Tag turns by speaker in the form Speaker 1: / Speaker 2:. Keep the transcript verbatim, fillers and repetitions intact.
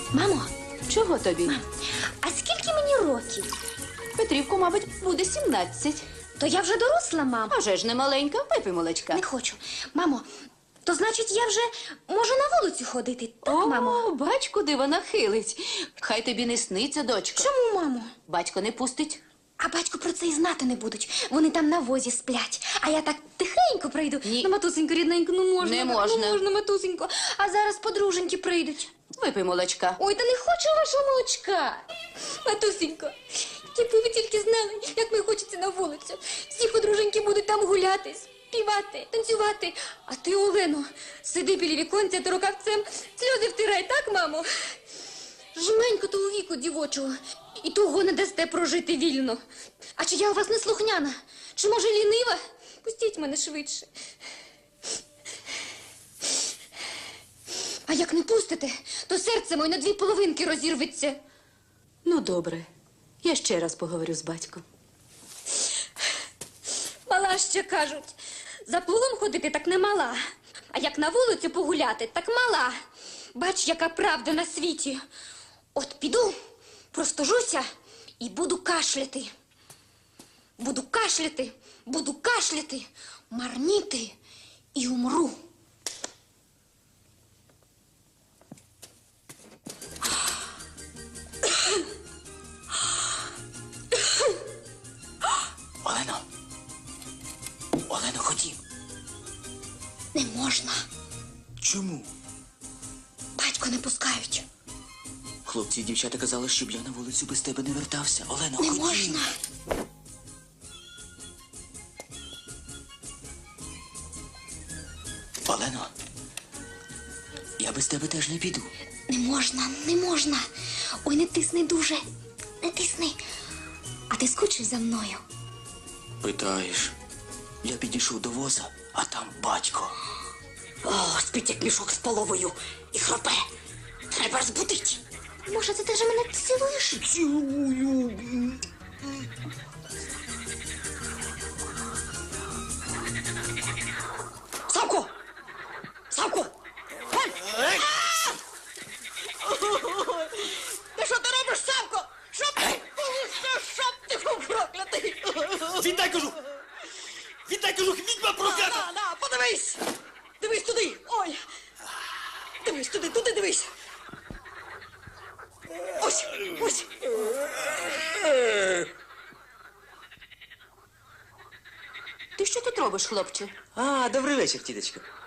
Speaker 1: Мамо,
Speaker 2: Чого тобі?
Speaker 1: мам, а скільки мені років?
Speaker 2: Петрівку, мабуть, буде сімнадцять.
Speaker 1: То я вже доросла, мам.
Speaker 2: А вже ж не маленька, випий молочка.
Speaker 1: Не хочу. Мамо, то значить я вже можу на вулицю ходити, так, мамо?
Speaker 2: О, бач, куди вона хилить. Хай тобі не сниться, дочко.
Speaker 1: Чому, мамо?
Speaker 2: Батько не пустить.
Speaker 1: А батько про це і знати не будуть. Вони там на возі сплять. А я так тихенько прийду.
Speaker 2: Ні.
Speaker 1: Ну, матусенько, рідненько, ну можна.
Speaker 2: Не
Speaker 1: так,
Speaker 2: можна.
Speaker 1: Ну можна, матусенько. А зараз подруженьки прийдуть.
Speaker 2: Випий молочка.
Speaker 1: Ой, та не хочу вашого молочка. Матусенько, якби ви тільки знали, як мені хочеться на вулицю. Всі подруженьки будуть там гуляти, співати, танцювати. А ти, Олено, сиди біля віконця та рукавцем сльози втирай, так, мамо? Жменько того віку дівочого. І того не дасте прожити вільно. А чи я у вас не слухняна? Чи, може, лінива? Пустіть мене швидше. А як не пустите, то серце моє на дві половинки розірветься.
Speaker 2: Ну, добре. Я ще раз поговорю з батьком.
Speaker 1: Мала ще кажуть. За плугом ходити так не мала. А як на вулицю погуляти, так мала. Бач, яка правда на світі. От піду, простужуся і буду кашляти. Буду кашляти, буду кашляти, марніти і умру.
Speaker 3: Олено! Олено, ходім.
Speaker 1: Не можна.
Speaker 3: Чому?
Speaker 1: Батько не пускають.
Speaker 3: Хлопці і дівчата казали, щоб я на вулицю без тебе не вертався. Олено,
Speaker 1: Не
Speaker 3: ходім.
Speaker 1: можна.
Speaker 3: Олено, я без тебе теж не піду.
Speaker 1: Не можна, не можна. Ой, не тисни дуже. Не тисни. А ти скучиш за мною?
Speaker 3: Питаєш, я підійшов до воза, а там батько. О, спить як мішок з половою і хропе. Треба розбудити.
Speaker 1: Може, це ти вже мене цілуєш?
Speaker 3: Цілую. Савко! Савко! Ти що ти робиш, Савко? Щоб ти, щоб ти був проклятий!
Speaker 4: Віддай, кажу! Віддай, кажу, відьма проклята!
Speaker 3: На, на, подивись! Дивись туди! Ой! Дивись туди, туди дивись! Ось, ось!
Speaker 2: Ти що тут робиш, хлопче?
Speaker 4: А, добрий вечір, тіточко.